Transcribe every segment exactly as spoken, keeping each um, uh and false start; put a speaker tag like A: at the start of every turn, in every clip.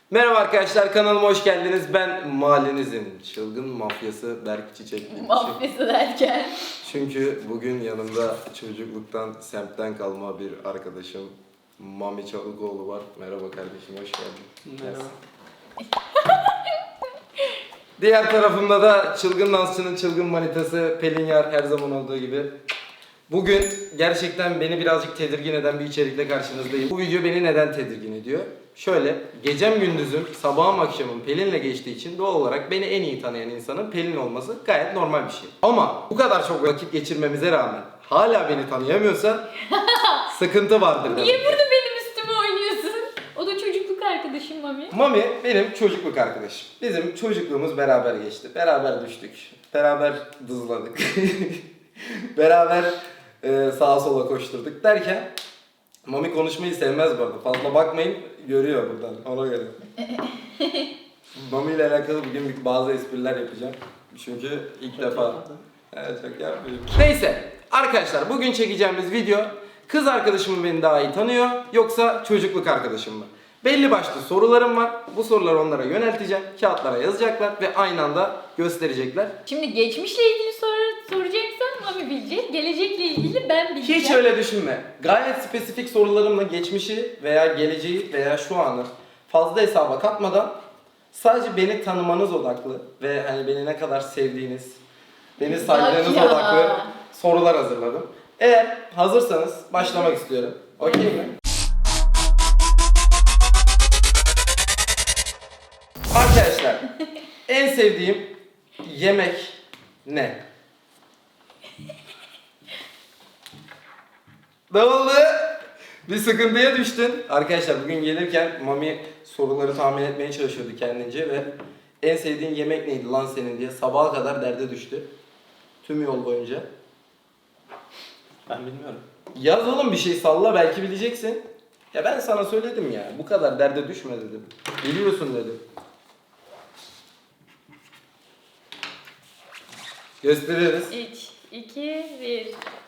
A: Merhaba arkadaşlar, kanalıma hoş geldiniz. Ben mahallenizin çılgın mafyası Berk Çiçek.
B: Mafyası derken?
A: Çünkü bugün yanımda çocukluktan, semtten kalma bir arkadaşım Mami Çalıkoğlu var. Merhaba kardeşim, hoş geldin.
C: Merhaba.
A: Diğer tarafımda da çılgın dansçının çılgın manitası Pelin Yar, her zaman olduğu gibi. Bugün gerçekten beni birazcık tedirgin eden bir içerikle karşınızdayım. Bu video beni neden tedirgin ediyor? Şöyle, gecem gündüzüm, sabahım akşamım Pelin'le geçtiği için doğal olarak beni en iyi tanıyan insanın Pelin olması gayet normal bir şey. Ama bu kadar çok vakit geçirmemize rağmen hala beni tanıyamıyorsa sıkıntı vardır demek.
B: Niye burada benim üstüme oynuyorsun? O da çocukluk arkadaşım Mami.
A: Mami benim çocukluk arkadaşım. Bizim çocukluğumuz beraber geçti. Beraber düştük. Beraber dızladık. Beraber e, sağa sola koşturduk derken Mami konuşmayı sevmez bu arada. Fazla bakmayın, görüyor buradan. Ona göre. Mami ile alakalı bugün bir- bazı espriler yapacağım. Çünkü ilk defa. Evet, çok yapmayayım. Neyse arkadaşlar, bugün çekeceğimiz video kız arkadaşım mı beni daha iyi tanıyor yoksa çocukluk arkadaşım mı? Belli başlı sorularım var. Bu soruları onlara yönelteceğim. Kağıtlara yazacaklar ve aynı anda gösterecekler.
B: Şimdi geçmişle ilgili soru soracaksan Mami bilecek. Gelecekle ilgili ben bileceğim.
A: Hiç öyle düşünme. Gayet spesifik sorularımla geçmişi veya geleceği veya şu anı fazla hesaba katmadan sadece beni tanımanız odaklı ve hani beni ne kadar sevdiğiniz, beni saydığınız
B: ya.
A: odaklı sorular hazırladım. Eğer hazırsanız başlamak istiyorum. Okey mi? Arkadaşlar, en sevdiğim yemek ne? Ne oldu? Bir sıkıntıya düştün. Arkadaşlar bugün gelirken Mami soruları tahmin etmeye çalışıyordu kendince ve en sevdiğin yemek neydi lan senin diye sabaha kadar derde düştü. Tüm yol boyunca.
C: Ben bilmiyorum.
A: Yaz oğlum, bir şey salla, belki bileceksin. Ya ben sana söyledim ya, bu kadar derde düşme dedim. Biliyorsun dedim. Gösteririz.
B: üç, iki, bir.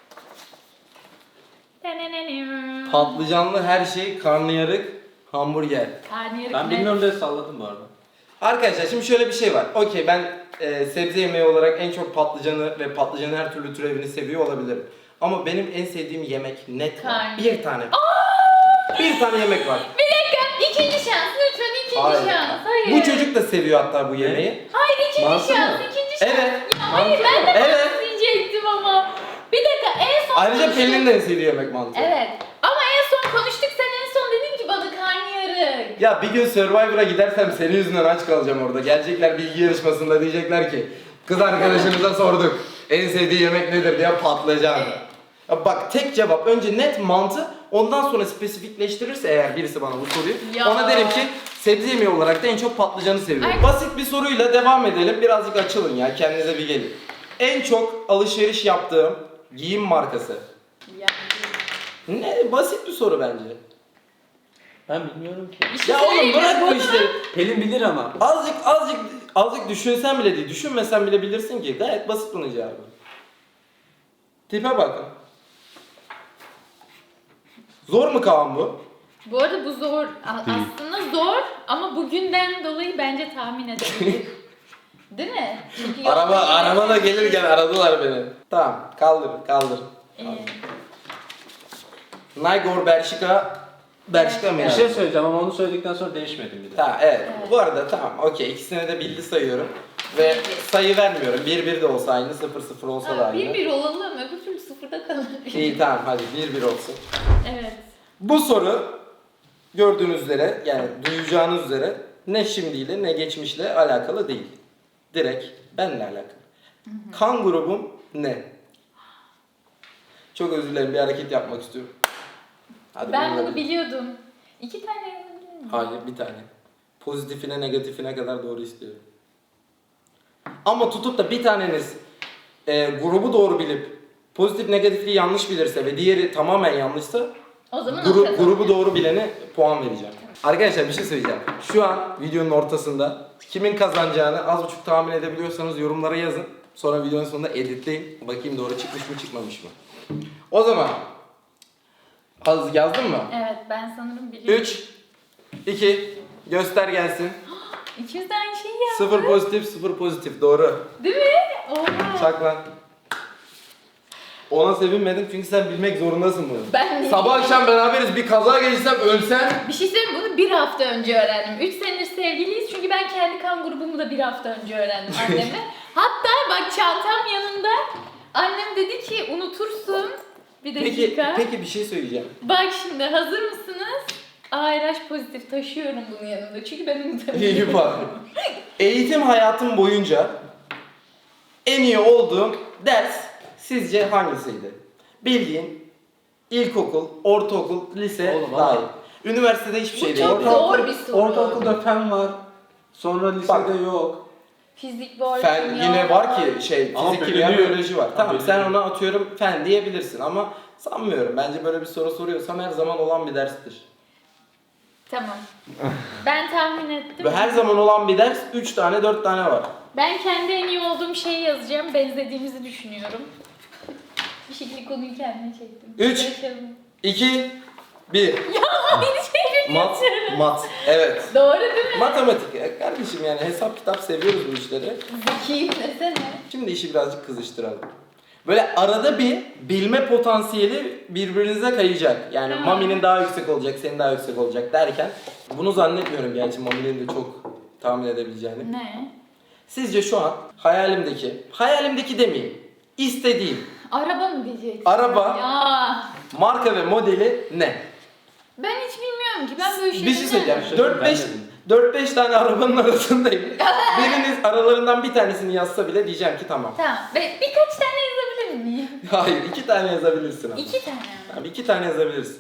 A: Patlıcanlı her şey, karnıyarık, hamburger.
B: Karnıyarık
C: Ben
B: ne?
C: bilmiyorum diye salladım bu arada.
A: Arkadaşlar şimdi şöyle bir şey var. Okey, ben e, sebze yemeği olarak en çok patlıcanı ve patlıcanın her türlü türevini seviyor olabilirim. Ama benim en sevdiğim yemek net var.
B: Karnıyarık.
A: Bir tane. Bir tane yemek var.
B: Bir dakika, ikinci şans. Lütfen ikinci
A: Hayır.
B: şans. Hayır.
A: Bu çocuk da seviyor hatta bu yemeği.
B: Hayır, ikinci
C: Mantı
B: şans.
C: mı?
B: ikinci şans.
A: Evet.
B: Ya hayır, ben de
A: Evet.
B: mantı diyecektim ama. Bir dakika, en son
A: Ayrıca
B: konuştuk.
A: Pelin'in de en sevdiği yemek mantı.
B: Evet. Ama en son konuştuk, sen en son dedin ki bana karnıyarık.
A: Ya bir gün Survivor'a gidersem senin yüzünden aç kalacağım orada. Gelecekler bilgi yarışmasında, diyecekler ki kız arkadaşımıza sorduk en sevdiği yemek nedir diye patlayacağım. Ya bak, tek cevap önce net mantı, ondan sonra spesifikleştirirse eğer birisi bana bu soruyu,
B: Ya.
A: ona derim ki sebze yemeği olarak da en çok patlıcanı seviyorum.
B: Ay.
A: Basit bir soruyla devam edelim, birazcık açılın ya, kendinize bir gelin. En çok alışveriş yaptığım giyim markası.
B: Yani.
A: Ne, basit bir soru bence.
C: Ben bilmiyorum ki.
B: Bir şey
A: Ya oğlum
B: söyleyeyim mi?
A: bırak bu işleri.
C: Pelin bilir ama.
A: Azıcık azıcık azıcık düşünsen bile değil, düşünmesen bile bilirsin ki. Gayet basit bunun cevabı. Tipe bakın. Zor mu Kaan bu?
B: Bu arada bu zor. A- Aslında zor ama bugünden dolayı bence tahmin edebilir. Değil mi? Çünkü
A: Araba
B: yolda-
A: araba da gelirken aradılar beni. Tamam, kaldır kaldır.
B: Ee,
A: Naygor Bershka Bershka mı
C: Bir
A: ya?
C: şey söyleyeceğim ama onu söyledikten sonra değişmedim bir de.
A: Tamam, evet.
B: Evet.
A: Bu arada tamam, okey, ikisini de bildi sayıyorum. Ve sayı vermiyorum. bir bir de olsa aynı, sıfır sıfır olsa da
B: ha,
A: aynı.
B: bir bir olalım, öbür türlü sıfırda kalır.
A: İyi tamam, hadi bir bir olsun.
B: Evet.
A: Bu soru gördüğünüz üzere, yani duyacağınız üzere ne şimdiyle ne geçmişle alakalı değil. Direkt benimle alakalı. Kan grubum ne? Çok özür dilerim, bir hareket yapmak istiyorum. Hadi
B: Ben
A: bununla
B: bunu
A: bir-
B: biliyordum. İki tane yazabilir miyim?
A: Hayır, bir tane. Pozitifine negatifine kadar doğru istiyorum. Ama tutup da bir taneniz e, grubu doğru bilip pozitif negatifliği yanlış bilirse ve diğeri tamamen yanlışsa
B: O zaman
A: Gru-
B: o kazanır.
A: grubu doğru bilene puan vereceğim. Arkadaşlar bir şey söyleyeceğim. Şu an videonun ortasında kimin kazanacağını az buçuk tahmin edebiliyorsanız yorumlara yazın. Sonra videonun sonunda editleyin. Bakayım doğru çıkmış mı çıkmamış mı. O zaman az yazdın mı?
B: Evet, ben sanırım biliyorum.
A: üç, iki, Göster gelsin.
B: İkimiz de aynı şeyi yaptık.
A: Sıfır pozitif, sıfır pozitif. Doğru.
B: Değil mi? Oha.
A: Çak lan. Ona sevinmedim çünkü sen bilmek zorundasın bunu.
B: Ben de-
A: Sabah akşam beraberiz. Bir kaza geçirsem ölsem.
B: Bir şey söyleyeyim mi? Bunu bir hafta önce öğrendim. Üç senedir sevgiliyiz çünkü ben kendi kan grubumu da bir hafta önce öğrendim anneme. Hatta bak çantam yanında. Annem dedi ki unutursun. Bir
A: Peki,
B: dakika.
A: peki bir şey söyleyeceğim.
B: Bak şimdi hazır mısınız? A R H pozitif taşıyorum bunun yanında çünkü ben unutamıyorum.
A: İyi bak. Eğitim hayatım boyunca en iyi olduğum ders sizce hangisiydi? Bildiğin ilkokul, ortaokul, lise
C: Oğlum,
A: dahil.
C: ama-
A: Üniversitede hiçbir
B: Bu
A: şey değil.
B: çok
C: Ortaokul-
B: zor bir soru.
C: Ortaokulda fen var. Sonra lisede
A: Bak.
C: yok.
B: Fizik var,
A: Fen
B: kimya
A: yine var ki şey
C: Ama
A: fizik, kimya,
C: bölünüyor.
A: biyoloji var.
C: Ha,
A: Tamam sen
C: bölünüyor.
A: ona atıyorum fen diyebilirsin ama sanmıyorum. Bence böyle bir soru soruyorsam her zaman olan bir derstir.
B: Tamam. Ben tahmin ettim.
A: Ve her zaman olan bir ders üç tane dört tane var.
B: Ben kendi en iyi olduğum şeyi yazacağım. Benzediğimizi düşünüyorum. Bir şekilde konuyu kendime çektim.
A: Üç.
B: Yaşadım.
A: iki bir
B: Ya beni
A: Mat,
B: çevirin.
A: mat. Evet.
B: Doğru değil mi?
A: Matematik ya kardeşim yani hesap kitap seviyoruz bu işleri.
B: Zekiyim desene.
A: Şimdi işi birazcık kızıştıralım. Böyle arada bir bilme potansiyeli birbirinize kayacak. Yani
B: Ha.
A: Mami'nin daha yüksek olacak, senin daha yüksek olacak derken bunu zannetmiyorum gerçi Mami'nin de çok tahmin edebileceğini.
B: Ne?
A: Sizce şu an hayalimdeki, hayalimdeki demeyeyim, istediğim
B: Araba mı diyeceksin?
A: Araba.
B: Ya.
A: marka ve modeli ne?
B: Ben hiç bilmiyorum ki. Ben böyle
A: Bir
B: şeyleri...
A: şey söyleyeceğim.
C: Ben
A: dört beş
C: de bilmiyorum.
A: dört beş tane arabanın arasındayım. Biriniz aralarından bir tanesini yazsa bile diyeceğim ki tamam.
B: Tamam. Be- birkaç tane yazabilir miyim?
A: Hayır, iki tane yazabilirsin ama.
B: İki tane mi?
A: Tamam, iki tane yazabilirsin.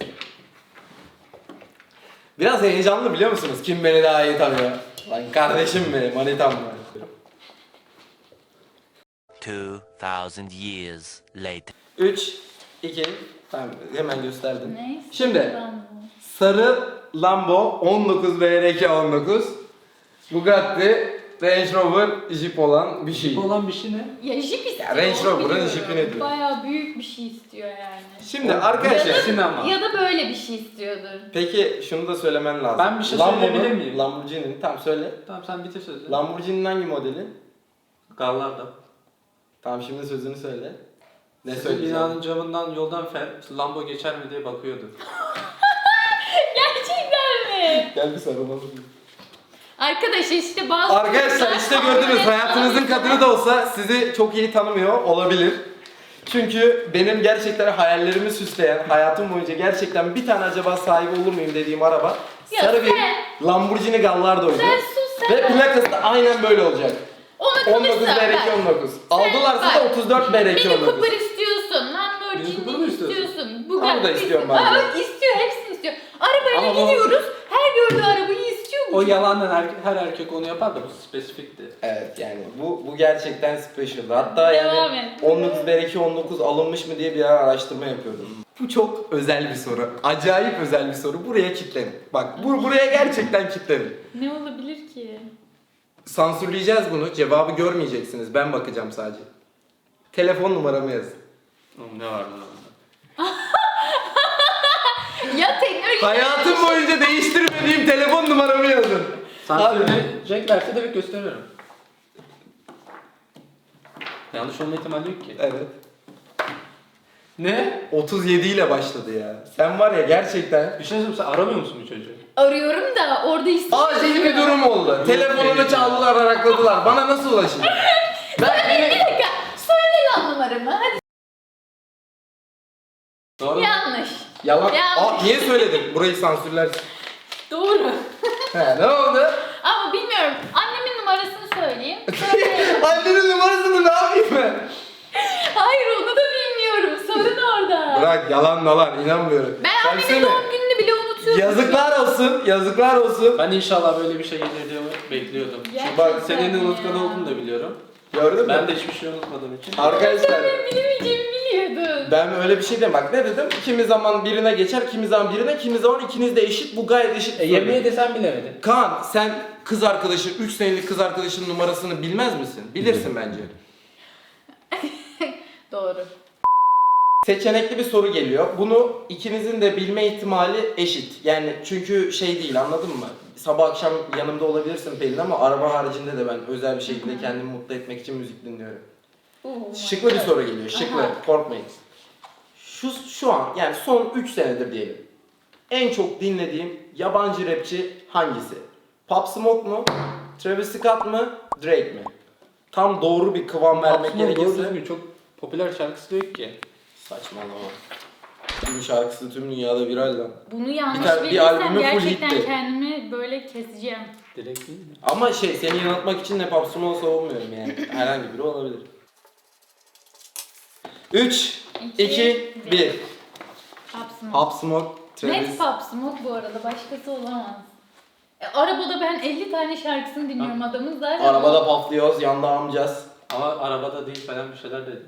A: Biraz heyecanlı biliyor musunuz? Kim beni daha iyi tanıyor? Lan kardeşim benim, manitam var.
D: Two thousand years later.
A: üç, iki, tamam hemen gösterdim.
B: Neyse.
A: Şimdi
B: Tamam.
A: sarı Lambo on dokuz B R K on dokuz, Bugatti, Range Rover, Jeep olan bir şey.
C: Bu olan bir şey ne?
B: Ya Jeep istiyor.
A: Ya Range Rover'ın
B: biliyorum.
A: Jeep'i ne diyor?
B: Bayağı büyük bir şey istiyor yani.
A: Şimdi
C: O-
A: arkadaşlar,
C: Sinema.
B: Ya da böyle bir şey istiyordur.
A: peki şunu da söylemen lazım.
C: Ben bir şey
A: Lambo'nun-
C: söyleyebilir miyim?
A: Lamborghini'nin, tamam söyle.
C: Tamam sen bitir sözü.
A: Lamborghini'nin hangi modeli?
C: Gallarda.
A: Tamam şimdi sözünü söyle. Ne
C: Sizin
A: söyleyeceksin?
C: binanın camından yoldan fer, Lambo geçer mi diye bakıyordu.
B: Gerçekten mi?
A: Gel bir sarılalım.
B: Arkadaşlar işte bazı...
A: Arkadaşlar işte gördünüz hayatınızın kadını da olsa sizi çok iyi tanımıyor olabilir. Çünkü benim gerçekten hayallerimi süsleyen, hayatım boyunca gerçekten bir tane acaba sahibi olur muyum dediğim araba
B: Ya
A: sarı bir
B: sen-
A: Lamborghini Gallardo'ydu.
B: Sen sus sen.
A: Ve plakası da aynen böyle olacak.
B: Onu
A: on dokuz
B: konuşsan
A: B R K
B: ben.
A: on dokuz. Aldılarsa
B: bak,
A: da otuz dört B R K
B: Mini
A: on dokuz.
B: Cooper istiyorsun,
C: Mini
B: Lamborghini
C: Cooper mı istiyorsun?
B: istiyorsun.
A: Onu da
B: Bugatti
A: istiyorum
B: istiyor.
A: ben de.
B: Aa, istiyor, hepsini istiyor. Arabayla
C: Ama bu-
B: gidiyoruz, her gördüğü arabayı istiyor mu?
C: O yalandan her, her erkek onu yapar da bu spesifikti.
A: Evet yani bu bu gerçekten special. Hatta
B: Devam
A: yani
B: et.
A: on dokuz B R K on dokuz alınmış mı diye bir ara araştırma yapıyordum. Bu çok özel bir soru. Acayip özel bir soru. Buraya kilitlenin. Bak bu buraya gerçekten kilitlenin.
B: Ne olabilir ki?
A: Sansürleyeceğiz bunu. Cevabı görmeyeceksiniz. Ben bakacağım sadece. Telefon numaramı yazın.
C: Oğlum ne var lan?
B: Ya teknoloji...
A: Hayatım boyunca değiştirmediğim telefon numaramı yazın.
C: Sansürleyeceklerse de bir gösteriyorum. Yanlış olma ihtimali yok ki.
A: Evet.
C: Ne?
A: otuz yedi ile başladı ya. Sen var ya gerçekten
C: Bir şey söyleyeyim, sen aramıyor musun bu çocuğu?
B: Arıyorum da orada istiyor.
A: acil bir durum oldu. Telefonunu çaldılar, arakladılar. Bana nasıl ulaşacak? Ben
B: Bir dakika, söyle lan numaramı. Hadi.
C: Doğru mu?
B: Yanlış.
A: Yalan.
B: Yanlış.
A: Aa, niye söyledin? Burayı sansürlersin.
B: Doğru.
A: He, ne oldu?
B: Ama bilmiyorum. Annemin numarasını söyleyeyim. Söyle.
A: Annenin numarasını ne yapayım ben?
B: Hayır onu da bilmiyorum. Sorun orada.
A: Bırak yalan yalan inanmıyorum.
B: Ben annemin
A: Söylesene.
B: doğum gününü bile unutuyorum.
A: Yazıklar olsun, yazıklar olsun.
C: Ben inşallah böyle bir şey gelir diye bekliyordum.
B: Gerçekten
A: Bak,
C: Senin
B: ya.
C: unutkan olduğunu da biliyorum.
A: Gördün mü?
C: Ben de hiçbir şey unutmadığım için.
A: Arkadaşlar
B: Ben bilemeyeceğimi biliyordum.
A: ben öyle bir şey dedim. Bak ne dedim? Kimi zaman birine geçer, kimi zaman birine, kimi zaman ikiniz de eşit. Bu gayet eşit.
C: E, yemeği de sen bilemedin.
A: Kaan sen kız arkadaşın, üç senelik kız arkadaşının numarasını bilmez misin? Bilirsin bence.
B: Doğru.
A: Seçenekli bir soru geliyor. Bunu ikinizin de bilme ihtimali eşit. Yani çünkü şey değil anladın mı? sabah akşam yanımda olabilirsin Pelin ama araba haricinde de ben özel bir şekilde kendimi mutlu etmek için müzik dinliyorum.
B: Oh
A: Şıklı bir
B: my
A: soru
B: God.
A: geliyor. Şıklı.
B: Aha.
A: Korkmayın. Şu şu an yani son üç senedir diyelim. En çok dinlediğim yabancı rapçi hangisi? Pop Smoke mu? Travis Scott mı? Drake mi? Tam doğru bir kıvam vermek
C: Aslında doğru
A: gerekirse.
C: düzgün çok popüler şarkısı yok ki.
A: Saçmalama. Tüm şarkısı tüm dünyada viral lan.
B: Bunu yanlış
A: Bir tane- bir
B: verirsem
A: albümü full
B: gerçekten
A: hitti.
B: kendimi böyle keseceğim.
C: Direkt değil mi?
A: Ama şey seni yanıltmak için de Pop Smoke savunmuyorum yani. Herhangi biri olabilir. üç, iki, bir.
B: Pop Smoke.
A: Pop Smoke, Travis.
B: Net Pop Smoke bu arada, başkası olamaz. E, arabada ben elli tane şarkısını dinliyorum adamın zaten.
A: Arabada paflıyoruz, yanda amcaz.
C: Ama arabada değil falan bir şeyler dedi.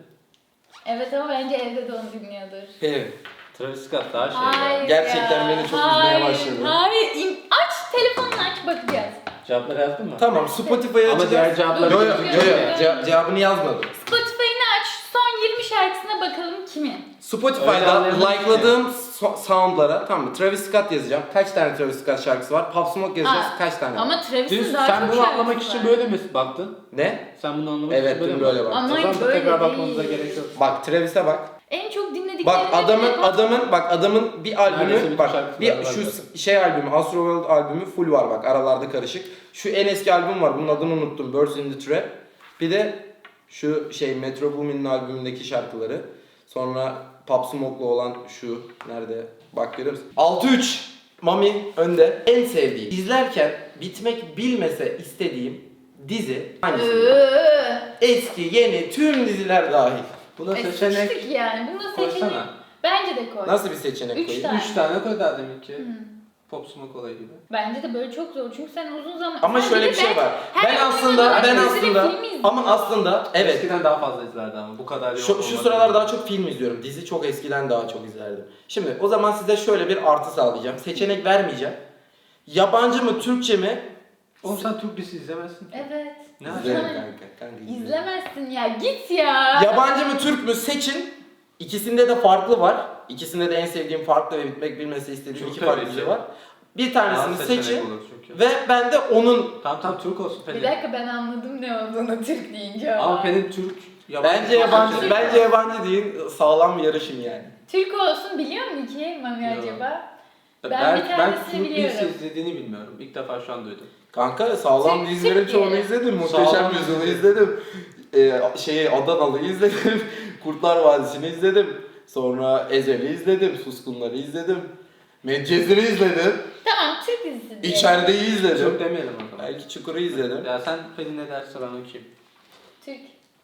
B: Evet ama bence evde de onu dinliyordur.
A: Evet.
C: Travis Scott daha şey
B: Hayır
C: ya.
A: Gerçekten
B: ya.
A: beni çok üzmeye
B: Hayır,
A: başladı.
B: Hayır, İn- aç telefonunu aç bakacağız.
C: Cevapları yazdın mı?
A: Tamam, Spotify'a
C: Ama diğer
A: açacağız.
C: cevapları
A: Yo yo yo
B: Yok,
A: yo,
B: yok.
A: Ce- cevabını yazmadım.
B: Spotify'ını aç, son yirmi şarkısına bakalım kimin?
A: Spotify'da
C: Öyle anlayamadım
A: like'ladığım so- soundlara, tamam mı? Travis Scott yazacağım. Kaç tane Travis Scott şarkısı var? Pop Smoke yazacağız.
B: Aa,
A: Kaç tane?
B: Ama Travis'in
C: Düz,
B: daha
C: sen
B: çok
C: bunu
B: şarkısı
C: anlamak
B: var.
C: için böyle mi baktın?
A: Ne?
C: Sen bunu anlamak
A: Evet,
C: için böyle
A: dün
C: mi
A: böyle
C: baktın?
A: baktım.
B: Ama
C: O zaman da
B: böyle
C: tekrar bakmamıza
B: değil.
C: gerek yok.
A: Bak Travis'e bak.
B: En çok dinlediklerim
A: Bak adamın
B: hep-
A: adamın bak adamın bir
C: Neredeyse
A: albümü
C: bütün
A: bak
C: şarkıları
A: bir
C: var
A: şu
C: zaten.
A: şey albümü Astroworld albümü full var bak aralarda karışık. Şu en eski albüm var. Bunun adını unuttum. Birds in the Trap. Bir de şu şey Metro Boomin'in albümündeki şarkıları. Sonra Pop Smoke'la olan şu nerede? Bak görüyor musun? altı üç Mami önde. En sevdiğim. İzlerken bitmek bilmese istediğim dizi hangisi?
B: Iıı.
A: Eski, yeni, tüm diziler dahil.
C: Buna
B: E,
C: seçenek
B: sıçtık yani. Bunda seçenek.
C: koysana.
B: Bence de koy.
A: Nasıl bir seçenek
B: Üç
A: koyayım?
B: tane.
C: Üç tane koy daha demin ki.
B: Hı.
C: Pop Smoke olayı gibi.
B: Bence de böyle çok zor çünkü sen uzun zaman...
A: Ama
B: Sen
A: şöyle
B: de
A: bir şey
B: ben-
A: var.
B: her
A: Ben
B: oyun
A: aslında
B: zaman
A: ben
B: dizi ve
A: aslında
B: film izliyorum.
A: ama aslında evet.
C: Eskiden daha fazla izlerdi ama bu kadar yok.
A: Şu, şu sıralar daha çok film izliyorum. Dizi çok eskiden daha çok izlerdim. Şimdi o zaman size şöyle bir artı sağlayacağım. Seçenek vermeyeceğim. Yabancı mı, Türkçe mi?
C: Oğlum sen Türk dizisi izlemezsin.
B: Evet.
C: Ne
A: İzlerim
B: İzleme-
A: kanka. kanka izlerim.
B: İzlemezsin ya. Git ya.
A: Yabancı mı, Türk mü seçin. İkisinde de farklı var. İkisinde de en sevdiğim farklı ve bitmek bilmesi istediğim
C: Çok
A: iki
C: tabii
A: farklı
C: ki.
A: dizi var. Bir tanesini
C: Daha seçenek
A: seçin
C: olur çünkü.
A: ve ben de onun
C: Tamam tamam Türk olsun
B: Bir
C: Pelin.
B: dakika ben anladım ne olduğunu Türk deyince ama.
C: Ama Pelin Türk. yabancı
A: bence yabancı
C: seçenek.
A: bence yabancı değil, sağlam bir yarışın yani.
B: Türk olsun biliyor mu ki Mami
C: Yok.
B: acaba?
C: Ben,
B: Ben bir
C: ben,
B: tanesini
C: Türk
B: biliyorum.
C: dizisi izlediğini bilmiyorum. İlk defa şu an duydum.
A: Kanka sağlam
B: Türk-
A: dizilerin
B: Türk
A: çoğunu
B: diyelim.
A: izledim. Muhteşem
C: Sağlam
A: Yüzyıl'ı
C: dizi.
A: izledim. Ee, şeyi Adanalı'yı izledim. Kurtlar Vadisi'ni izledim. Sonra Ezel'i izledim. Suskunlar'ı izledim. Medcezir'i izledim.
B: Tamam Türk dizisi diyelim.
A: İçerideyi
C: Türk
A: izledim.
C: demeyelim o zaman.
A: Belki Çukur'u izledim.
C: Ya sen Pelin ne derse ben okuyayım.
B: Türk.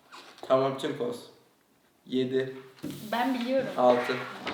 A: Tamam Türk olsun. yedi,
B: Ben biliyorum.
A: altı.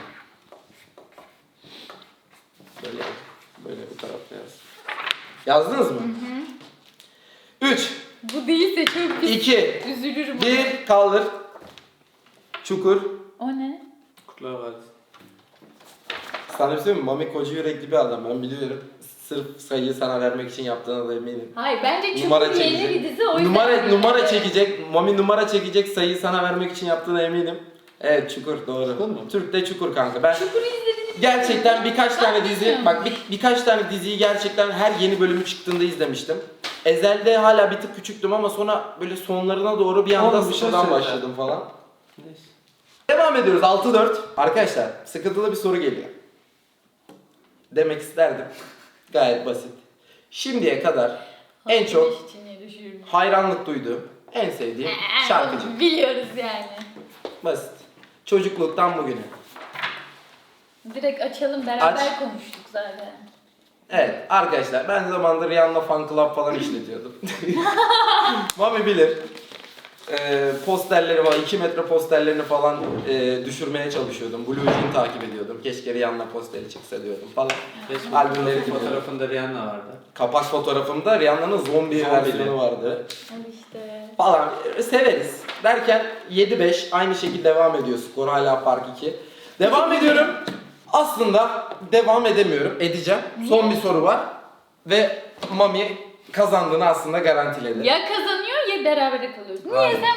A: Böyle yaz. Böyle bu tarafta yaz. Yazdınız mı? üç,
B: Bu değilse çok pis.
A: iki,
B: Üzülürüm.
A: bir, kaldır. Çukur.
B: O ne?
C: Kurtlar Vadisi.
A: Sana bir şey söyleyeyim mi? Mami koca yürekli bir adam, ben biliyorum. Sırf sayıyı sana vermek için yaptığına da eminim.
B: Hayır bence çok
A: Numara
B: yeni
A: çekecek.
B: bir dizi o yüzden.
A: Numara, numara
B: Evet.
A: çekecek. Mami numara çekecek, sayıyı sana vermek için yaptığına eminim. Evet Çukur doğru.
C: Çukur mu?
A: Türk'te Çukur kanka. Ben
B: Çukur'u izlediniz mi?
A: gerçekten birkaç
B: Ben
A: tane dizi,
B: bilmiyorum.
A: bak bir, birkaç tane diziyi gerçekten her yeni bölümü çıktığında izlemiştim. Ezel'de hala bir tık küçüktüm ama sonra böyle sonlarına doğru bir anda
C: Oğlum, bir şey
A: sıfırdan
C: söyle.
A: başladım falan.
C: Neyse.
A: Devam ediyoruz altı dört. Arkadaşlar sıkıntılı bir soru geliyor. Demek isterdim. Gayet basit. Şimdiye kadar en
B: Hafif
A: çok
B: içine düşürürüm.
A: hayranlık duyduğum, en sevdiğim
B: Ee,
A: şarkıcı.
B: onu Biliyoruz yani.
A: Basit. Çocukluktan bugüne.
B: Direkt açalım beraber
A: Aç.
B: konuştuk zaten.
A: Evet arkadaşlar ben zamanında Rihanna Fan Club falan işletiyordum. Mami bilir. Ee, posterleri var, iki metre posterlerini falan e, düşürmeye çalışıyordum. Blue Jean takip ediyordum. Keşke Rihanna posteri çıksa diyordum falan.
C: Facebook
A: Albümleri
C: profil fotoğrafında Rihanna vardı.
A: Kapak fotoğrafımda Rihanna'nın zombi
C: Zombili.
A: versiyonu vardı.
B: Al işte.
A: Falan e, severiz. Derken yedi beş aynı şekilde devam ediyor skor hala fark iki. Devam ediyorum. Aslında devam edemiyorum. Edeceğim. Son bir soru var. Ve Mami kazandığını aslında garantiledi.
B: Ya kazanıyor ya berabere kalıyoruz. Niye
A: Aynen.
B: sen Mami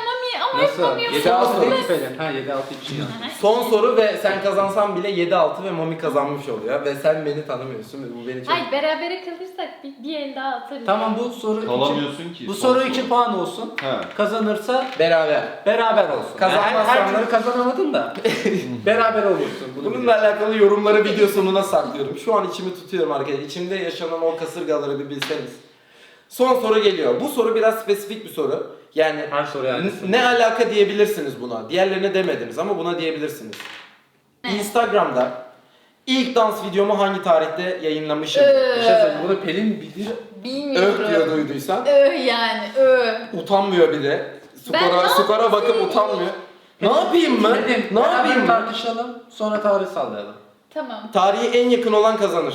B: Ama
C: Nasıl?
B: yapamıyorsun.
C: yedi altı değil
B: Nasıl?
C: ki Pelin. Ha yedi altı iki ya.
A: Son soru ve sen kazansan bile yedi altı ve Mami kazanmış oluyor. Ve sen beni tanımıyorsun ve bu beni çok...
B: Hayır berabere kalırsak bir, bir el daha atarız.
C: Tamam bu soru iki.
E: Kalamıyorsun ki.
C: Bu
E: son
C: soru iki puan olsun.
E: He.
C: Kazanırsa
A: Beraber.
C: beraber olsun.
A: Kazanmazsan
C: Yani her, her
A: da-
C: türlü kazanamadın da beraber olursun. Bunu
A: Bununla
C: biliyorsun.
A: alakalı yorumları video sonuna saklıyorum. Şu an içimi tutuyorum arkadaşlar. İçimde yaşanan o kasırgaları bir bilseniz. Son soru geliyor. Bu soru biraz spesifik bir soru. Yani
C: Her soruya
A: n-
C: aynısın.
A: ne alaka diyebilirsiniz buna. Diğerlerine demediniz ama buna diyebilirsiniz.
B: Ne?
A: Instagram'da ilk dans videomu hangi tarihte yayınlamışım?
B: Ee,
C: Bir şey söyleyeyim. Bunu Pelin bilir.
B: Bilmiyorum.
A: Öv diyor duyduysan.
B: Ö yani ö.
A: Utanmıyor bir de.
B: Ben
A: Skora,
B: ne
A: skora bakıp
B: yapayım?
A: utanmıyor. Ne yapayım ben?
C: Pelin,
A: Ne
C: beraber
A: yapayım ben?
C: tartışalım. Sonra tarih sallayalım.
B: Tamam.
A: Tarihi en yakın olan kazanır.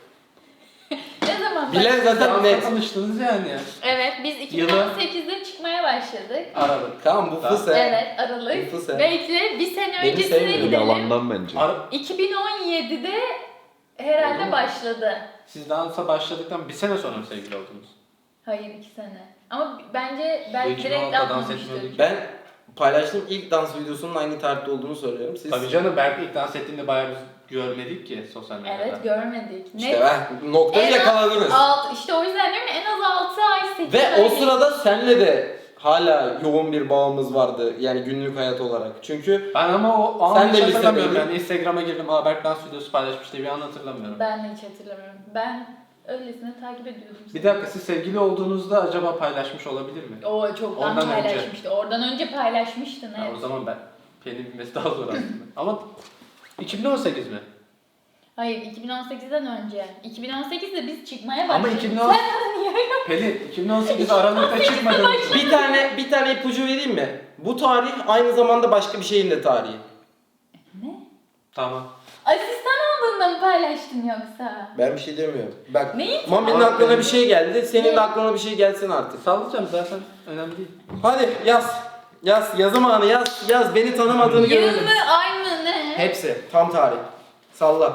B: Ne zaman
A: Bilen zaten
C: Zaten
A: net.
C: tanıştınız yani.
B: Evet biz iki bin on sekizde çıkmaya başladık.
C: Aradık.
A: Tamam bu
C: Tamam.
A: fıs he.
B: Evet Aralık.
A: Bu fıs he.
B: Bekle bir sene
A: Beni
B: öncesine
A: sevmiyor.
B: gidelim.
E: Yalandan bence.
C: Ara
B: iki bin on yedide herhalde
C: Oldu mu?
B: başladı.
C: Siz dansa başladıktan bir sene sonra mı sevgili oldunuz?
B: Hayır iki sene. Ama bence
C: Bu
B: ben
C: iki bin
B: direkt
C: altıda dans
B: atmamıştım.
C: etmiyorduk.
A: Ben paylaştığım ilk dans videosunun aynı tarihte olduğunu söylüyorum. Siz
C: Tabii canım belki ilk dans ettiğinde bayağı biz görmedik ki sosyal medyada.
B: Evet görmedik.
A: işte ben noktayı
B: En az
A: yakaladınız.
B: Alt, işte o yüzden diyorum ya, en az altı ay sekiz
A: Ve
B: ay
A: o sırada senle de hala yoğun bir bağımız vardı yani günlük hayat olarak. Çünkü
C: Ben ama o an
A: Sen
C: hiç
A: de
C: hatırlamıyorum
A: lisedeydin.
C: yani Instagram'a girdim aa Berk dans videosu paylaşmış diye bir an hatırlamıyorum.
B: Ben de hiç hatırlamıyorum. Ben öylesine takip ediyordum.
C: Bir dakika siz sevgili olduğunuzda acaba paylaşmış olabilir mi?
B: O çoktan
C: Ondan önce.
B: paylaşmıştı. Oradan önce paylaşmıştın
C: Ha,
B: evet.
C: o zaman ben Pelin bilmesi daha zor aslında. Ama iki bin on sekiz mi?
B: Hayır iki bin on sekizden önce. iki bin on sekizde biz çıkmaya
C: Ama
B: başladık.
C: iki bin on
B: Sen bana niye öyle-
C: Pelin iki bin on sekiz Aralık'ta çıkmadınız mı?
A: bir tane bir tane ipucu vereyim mi? Bu tarih aynı zamanda başka bir şeyin de tarihi.
B: Ne?
C: Tamam.
B: Asistan olduğunda mı paylaştın yoksa?
A: Ben bir şey demiyorum. Bak
B: Neyi?
A: Mami'nin
C: Abi
A: aklına
C: benim-
A: bir şey geldi. Senin
B: Ne?
A: de aklına bir şey gelsin artık.
C: Sallayacağım zaten önemli değil.
A: Hadi yaz. Yaz. Yazım anı yaz. Yaz. Beni tanımadığını görelim.
B: Yılı aynı ne?
A: Hepsi. Tam tarih. Salla.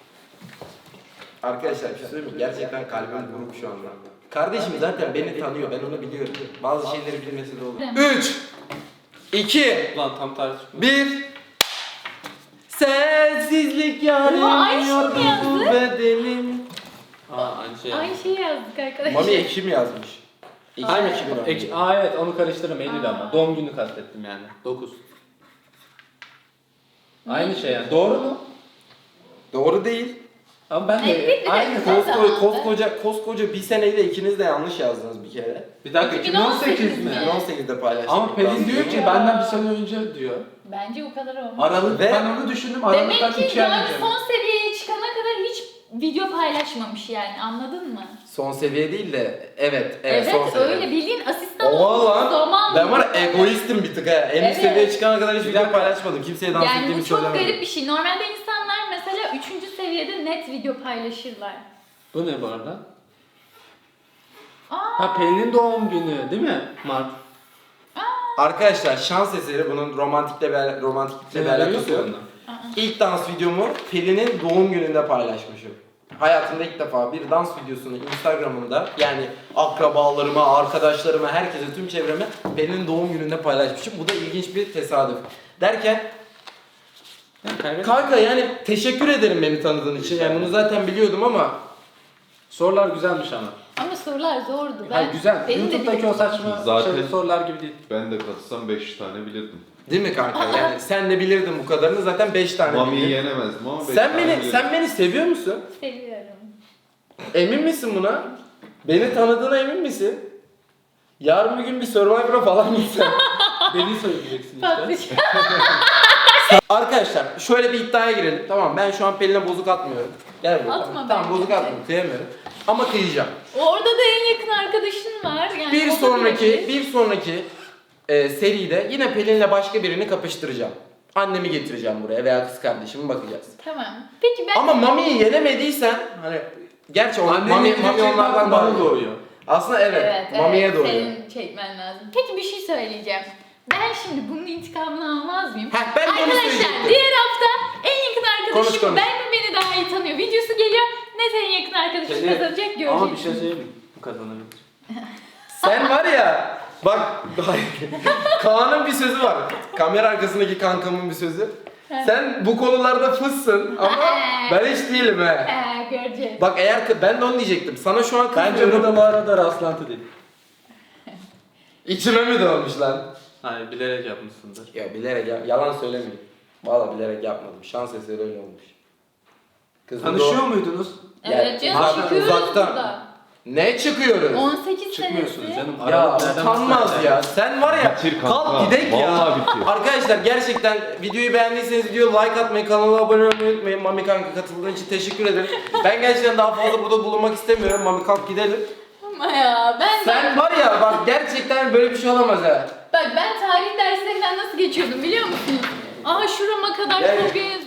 A: Arkadaşlar bir şey söyleyeyim mi? Gerçekten kalbim buruk şu anda. Kardeşim zaten beni tanıyor. Ben onu biliyorum. Bazı şeyleri bilmesi de olur. üç iki
C: Ulan tam tarih çıkmadı.
A: bir Sensizlik
B: Oha, aynı
A: yarıyor
B: şey mi yazdı?
A: bu bedenim.
C: Aa aynı şey.
B: Aynı şeyi yazdık arkadaşlar.
A: Mami Ekim yazmış. Ekim
B: Aynen.
A: Ekim yazmış.
C: Ek, aa evet onu karıştırdım Eylül
B: Aa.
C: ama. Doğum günü kastettim yani. dokuz. Aynı şey yani. Doğru mu?
A: Doğru değil.
C: Ama ben
B: Ne
C: de
B: bileyim,
C: aynı.
B: bir dakika.
A: Koskoca,
B: zamandı?
A: koskoca, koskoca bir seneyle ikiniz de yanlış yazdınız bir kere.
C: Bir dakika iki bin on sekiz mi?
B: mi?
A: iki bin on sekizde paylaştık.
C: Ama Pelin diyor ki benden bir sene önce diyor.
B: Bence o kadar olmaz.
C: Aralık
A: Ve-
C: ben onu düşündüm
B: Demek
C: Aralık'tan
B: ki
C: iki ay
B: yani
C: önce.
B: son seviyeye çıkana kadar hiç video paylaşmamış yani anladın mı?
A: Son seviye değil de evet, evet,
B: Evet,
A: son seviye.
B: öyle bildiğin asistan
A: Oha
B: olduğu
A: lan.
B: zaman.
A: Ben var ya egoistim bir tık ha. En üst
B: Evet.
A: seviyeye çıkana kadar hiç
C: Bir
A: video
C: dakika.
A: paylaşmadım. Kimseye dans
B: Yani
A: ettiğimi
B: bu çok
A: söylemedim.
B: garip bir şey. Normalde insanlar mesela üçüncü seviyede net video paylaşırlar.
C: Bu ne bu arada?
B: Aa,
C: Ha Pelin'in doğum günü değil mi? Mart.
A: Arkadaşlar şans eseri bunun romantikle bir, romantiklikle bir alakası yok. İlk dans videomu Pelin'in doğum gününde paylaşmışım. Hayatımda ilk defa bir dans videosunu Instagram'ımda yani akrabalarıma, arkadaşlarıma, herkese, tüm çevreme Pelin'in doğum gününde paylaşmışım. Bu da ilginç bir tesadüf. Derken
C: Yani kaybettim.
A: kanka yani teşekkür ederim beni tanıdığın için. Yani bunu zaten biliyordum ama
C: Sorular güzelmiş ama.
B: ama sorular zordu. Ben,
C: Hayır güzel.
B: benim de
C: YouTube'daki o saçma
E: Zaten-
C: şey, sorular gibi değil.
E: Ben de katsam beş tane bilirdim.
A: değil mi kanka? Yani sen de bilirdin bu kadarını, zaten beş tane
E: Mami'yi
A: bildin.
E: yenemezdim ama beş
A: Sen
E: tane
A: beni
E: bilirdim.
A: sen beni seviyor musun?
B: seviyorum.
A: Emin misin buna? Beni tanıdığına emin misin? Yarın bir gün bir Survivor'a falan gitsen.
C: Beni söyleyeceksin işte.
B: Patlıcan.
A: Arkadaşlar şöyle bir iddiaya girelim. Tamam, ben şu an Pelin'e bozuk atmıyorum. Gel buraya.
B: Atma
A: tamam,
B: bence.
A: tamam bozuk atmıyorum. Kıyamıyorum. Ama kıyacağım.
B: Orada da en yakın arkadaşın var. Yani
A: Bir
B: o da
A: sonraki
B: bilebilir.
A: bir sonraki e, seride yine Pelin'le başka birini kapıştıracağım. Annemi getireceğim buraya veya kız kardeşimi, bakacağız.
B: Tamam. Peki ben...
A: Ama Mami'yi yenemediysen hani gerçi o
C: Annenin
A: Mami,
C: getirecek
A: Mami onlardan daha
C: bana
A: doğuyor.
C: doğuyor.
A: Aslında evet,
B: Evet,
A: Mami'ye
B: evet,
A: doğuyor.
B: senin çekmen lazım. Peki bir şey söyleyeceğim. Ben şimdi bunun intikamını almaz mıyım?
A: Heh, ben de onu
B: Arkadaşlar
A: söyleyecektim.
B: diğer hafta en yakın arkadaşım
A: Konuş, konuş.
B: ben mi beni daha iyi tanıyor videosu geliyor. Ne senin yakın arkadaşın
C: Pelin,
B: kazanacak
C: Ama bir
B: göreceksin.
C: şey söyleyeyim mi? Bu kazanabilir.
A: Sen var ya, Bak Kaan'ın bir sözü var. Kamera arkasındaki kankamın bir sözü. Sen bu konularda fıssın ama ben hiç değilim he.
B: Ee, göreceğiz.
A: Bak eğer ben de onu diyecektim. Sana şu an
C: Bence
A: kızmıyorum.
C: bu da bu arada rastlantı değil.
A: İçime mi doğmuş lan?
C: Hani bilerek yapmışsındır.
A: Ya bilerek ya, yalan söylemeyeyim. Valla bilerek yapmadım. Şans eseri öyle olmuş. Kızın
C: Tanışıyor
A: doğ-
C: muydunuz?
B: Evet
A: Ya,
B: canım
A: uzak-
B: çıkıyoruz
A: uzaktan.
B: burada.
A: Ne çıkıyoruz?
B: on sekiz
C: Çıkmıyorsunuz
B: senesi.
C: canım.
A: Ya
C: Arada nereden
A: utanmaz
C: baksan
A: ya. Sen var ya
E: Bitir kanka.
A: kalk gidek ya.
E: Vallahi bitir.
A: Arkadaşlar gerçekten videoyu beğendiyseniz video like atmayı, kanala abone olmayı unutmayın. Mami kanka katıldığın için teşekkür ederim. Ben gerçekten daha fazla burada bulunmak istemiyorum. Mami kalk gidelim.
B: Ama ya ben
A: Sen var ya bak gerçekten böyle bir şey olamaz ha.
B: Bak ben tarih derslerinden nasıl geçiyordum biliyor musunuz? Aa şurama kadar
A: Yani-
B: kopya